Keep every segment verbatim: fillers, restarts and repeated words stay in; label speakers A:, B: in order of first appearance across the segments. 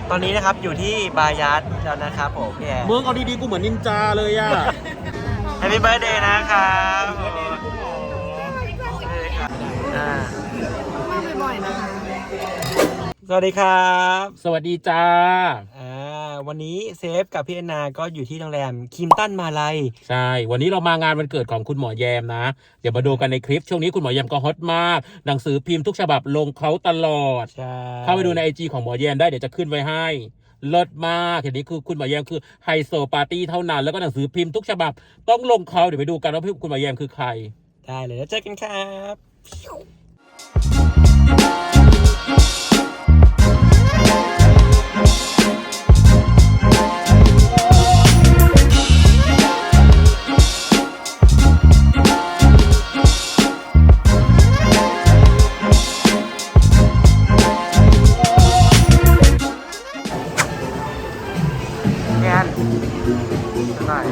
A: ตอนนี้นะครับอยู่ที่บายัสแล้วนะครับผมพี่แอร์
B: มึงเอาดีๆกูเหมือนนินจาเลยอ่ะ
A: แฮปปี้เบิร์ดเดย์นะครับอ่า
C: มาบ่อยๆนะคะ
A: สวัสดีครับ
B: สวัสดีจ้า
A: อ่าวันนี้เซฟกับพี่แอนนาก็อยู่ที่โรงแรมคิมตันมาลัย
B: ใช่ วันนี้เรามางานวันเกิดของคุณหมอแยมนะ เดี๋ยวมาดูกันในคลิป ช่วงนี้คุณหมอแยมก็ฮอตมาก หนังสือพิมพ์ทุกฉบับลงเขาตลอด
A: ใช่
B: เข้าไปดูในไอจีของหมอแยมได้เดี๋ยวจะขึ้นไว้ให้เลิศมากเห็นนี้คือคุณหมอแยมคือไฮโซปาร์ตี้เท่านั้นแล้วก็หนังสือพิมพ์ทุกฉบับต้องลงเขาเดี๋ยวไปดูกันว่าคุณหมอแยมคือใคร
A: ได้เลยแล้วเจอกันครับ แอนหน่อย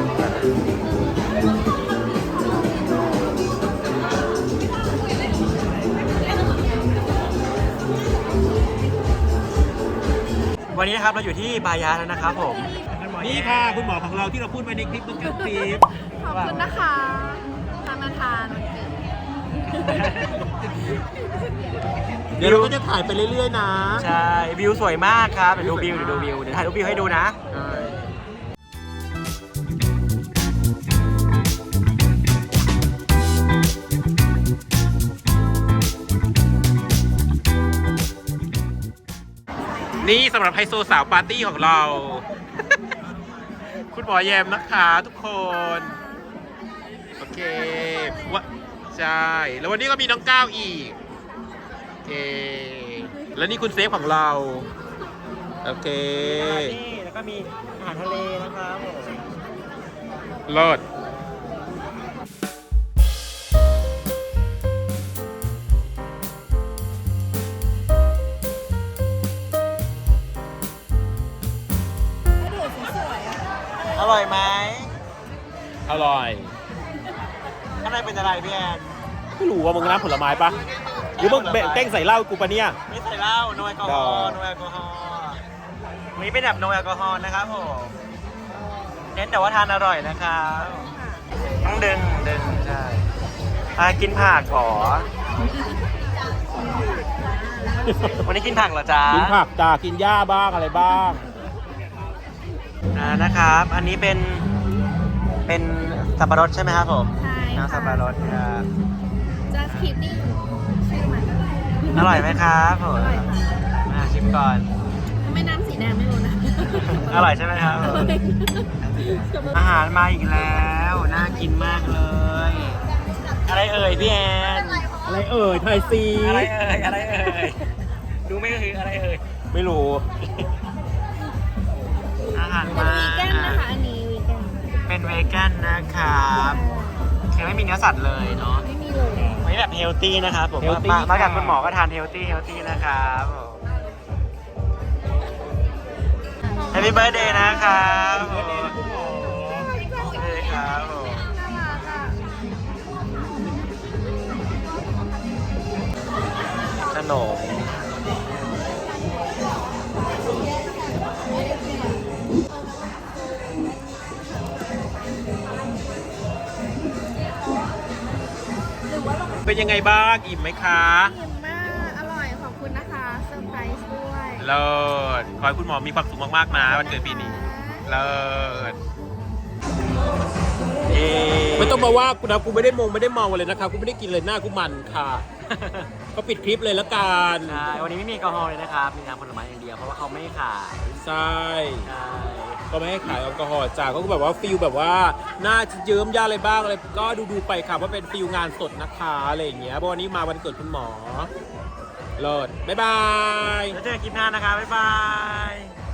A: วันนี้นะครับเราอยู่ที่บายัสแล้วนะครับผม
B: นี่ค่ะคุณหมอของเราที่เราพูดไปในคลิปเมื่อกี้คลิป
C: ขอบคุณนะคะทานมาทานวันเกิด
B: เดี๋ยวเราก็จะถ่ายไปเรื่อยๆนะ
A: ใช่วิวสวยมากครับเดี๋ยวดูวิวเดี๋ยวดูวิวเดี๋ยวถ่ายรูปวิวให้ดูนะ
B: นี่สำหรับไฮโซสาวปาร์ตี้ของเรา คุณหมอแยมนะคะทุกคน โอเควะใช่ แล้ววันนี้ก็มีน้องก้าวอีก โอเค แล้วนี่คุณเซฟของเรา โอเค
A: นี่แล้วก็มีอาหารทะเลนะครับผม
B: เลิศ
A: อร่อยไหม
B: อร่อย
A: ข้างในเป็นอะไรพี่แอน
B: ไม่รู้ว่ามึงน้ำผลไม้ปะหรือมึงเต้งใส่เหล้ากูปะเนี่ย
A: ไม่ใส่เหล้าโนแอลกอฮอล์โนแอลกอฮอล์วันนี้เป็นแบบโนแอลกอฮอล์นะครับผมเน้นแต่ว่าทานอร่อยนะครับต้องดึงดึงใช่อ่ากินผักขอวันนี้กินผักเหรอจ๊ะ
B: กินผักจ้ากินหญ้าบ้างอะไรบ้าง
A: อ่านะครับ อันนี้เป็นเป็นสับปะรดใช่ไหมครับผม
C: ใช่
A: น้ำสับปะรดครับ
C: จะคิดนี่ชื่อมัน
A: อร่อยไหมครับผม
C: อร่อยค่ะ
A: มาชิมก่อน
C: ไม่น้ำสีแดงไม่รู้นะ
A: อร่อยใช่ไหมครับผมอาหารมาอีกแล้วน่ากินมากเลย อะไรเอ่ยพี่แอน
B: อะไรเอ่ยไทยซี
A: อะไรเอ่ยอะไรเอ่ยดูไม่คืออะไรเอ่ย
B: ไม่รู้
A: อาหาร
C: เป็น
A: มา
C: วีแกนนะคะอันนี้วีแกน
A: เป็นเวแกนนะครับคือไม่มีเนื้อสัตว์เลยเนาะ
C: ไม่มีเลย
A: วันนี้แบบเฮลตี้นะครับผม
B: Healthy
A: มามากับ
B: ค่ะ
A: คุณหมอก็ทานเฮลตี้เฮลตี้นะครับแฮปปี้เบิร์ดเดย์นะครับผม เฮ้ยครับผมขนม
B: เป็นยังไงบ้างอิ่มไหมคะ
C: อิ่มมากอร่อยขอบคุณนะคะเซอร์ไพรส์ด้วย
B: เลิศขอให้คุณหมอมีความสุขมากๆนะวันเกิดปีนี้ เลิศ
A: เอ
B: ไม่ต้องมาว่ากูนะกูไม่ได้มงไม่ได้เมาเลยนะคะกูไม่ได้กินเลยหน้ากูมันค่ะ ก็ปิดคลิปเลยละกัน
A: ใช่วันนี้ไม่มีแอลกอฮอล์เลยนะครับ มีน้ำผลไม้อย่างเดียวเพราะว่าเขาไม่ขาย
B: ใช่
A: ใช่
B: ก็ไม่ให้ขายแอลกอฮอล์จ้าก็แบบว่าฟิลแบบว่าหน้าเยิ้มย่าอะไรบ้างอะไรก็ดูดูๆไปค่ะว่าเป็นฟิลงานสดนะคะอะไรอย่างเงี้ยเพราะวันนี้มาวันเกิดคุณหมอเลิศบ๊ายบาย
A: แล้วเจอกันคลิปหน้านะคะ บ๊ายบาย